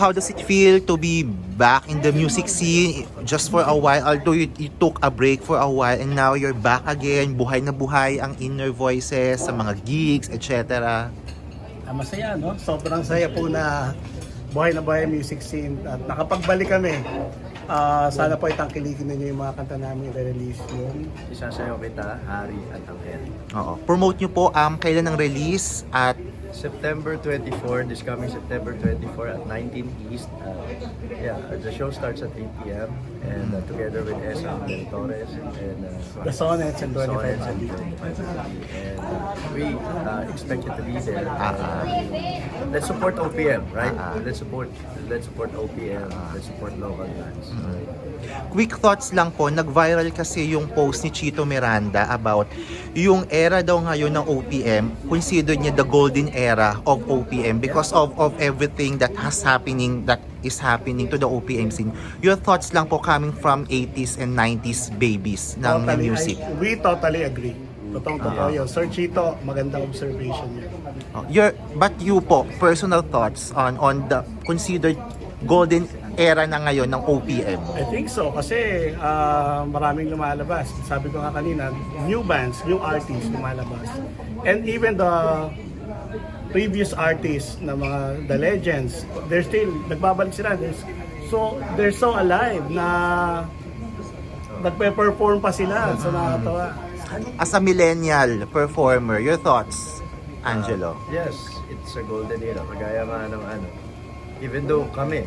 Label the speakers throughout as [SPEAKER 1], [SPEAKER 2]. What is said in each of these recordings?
[SPEAKER 1] How does it feel to be back in the music scene just for a while? Although you took a break for a while and now you're back again, buhay na buhay ang Inner Voices sa mga gigs, etc.
[SPEAKER 2] Masaya, no? Sobrang saya po na buhay ang music scene at nakapagbalik kami. Sana po itangkilikin ninyo yung mga kanta namin i-release yun.
[SPEAKER 3] Isasayaw kita, Hari at Angel.
[SPEAKER 1] Oo. Promote nyo po kailan ang release at
[SPEAKER 3] September 24, this coming September 24 at 19 East. The show starts at 8 p.m. and together with Esa Torres and
[SPEAKER 2] The Sonnets and 25
[SPEAKER 3] Sonnets and
[SPEAKER 2] Happy.
[SPEAKER 3] 25 Happy. And we expect you to be there. Let's support OPM, right? Let's support OPM. Let's support local bands. Right?
[SPEAKER 1] quick thoughts lang po, nag-viral kasi yung post ni Chito Miranda about yung era daw ngayon ng OPM, consider niya the golden era of OPM because of everything that is happening to the OPM scene. Your thoughts lang po coming from 80s and 90s babies ng music.
[SPEAKER 2] We totally agree. Totoo yun. Sir Chito, magandang observation yun.
[SPEAKER 1] But you po, personal thoughts on the considered golden era na ngayon ng OPM?
[SPEAKER 2] I think so kasi maraming lumalabas. Sabi ko nga kanina, new bands, new artists lumalabas. And even the previous artists na mga the legends, they're still nagbabalik sila. They're so alive na nagpe-perform pa sila. So nakakatawa.
[SPEAKER 1] As a millennial performer, your thoughts, Angelo?
[SPEAKER 3] Yes, it's a golden era. Kagaya nga ng even though kami,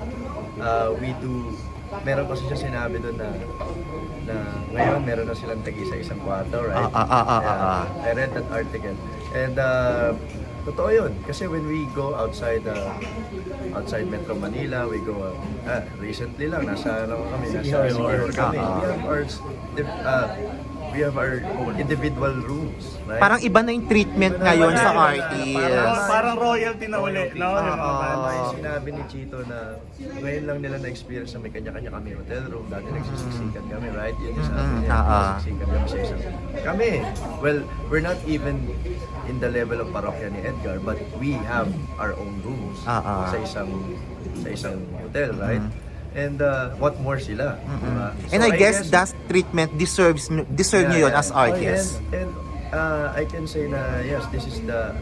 [SPEAKER 3] meron kasi siya sinabi doon na ngayon meron na silang tag-isa-isang kwarto, right? I read that article. And totoo yun. Kasi when we go outside Metro Manila, we go, recently lang, nasa Siquijor kami. We have our own individual rooms, right?
[SPEAKER 1] Parang iba na yung treatment ngayon sa artist.
[SPEAKER 2] Parang royalty na ulit, no?
[SPEAKER 3] Yung sinabi ni Chito na ngayon lang nila na-experience na may kanya-kanya kami hotel room. Dati nagsisiksikan kami, right? Yun yung sabi niya, nagsisiksikan kami sa isang... Kami, well, we're not even in the level of parokya ni Edgar, but we have our own rooms sa isang hotel, right? And what more sila? Diba?
[SPEAKER 1] And I guess that treatment deserve nyo yun as artists.
[SPEAKER 3] And I can say na yes, this is the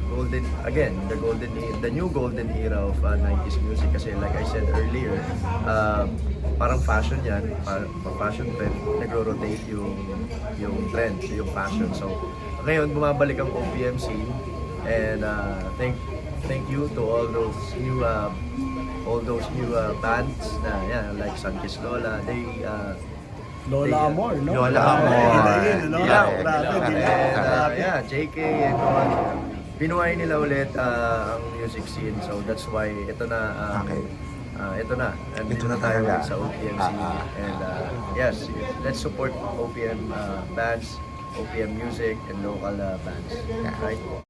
[SPEAKER 3] new golden era of 90s music. Kasi like I said earlier, parang fashion yan, fashion trend, nagro-rotate yung trend, yung fashion. So ngayon bumabalik ang OPM scene, and thank you to all those new bands na like Sunkiss Lola,
[SPEAKER 2] Lola Amor, no?
[SPEAKER 1] Lola Amor.
[SPEAKER 3] JK and all. Binuhay nila ulit ang music scene, so that's why ito na Nandito na tayo sa OPM scene. And yes, let's support OPM bands, OPM music and local bands, right?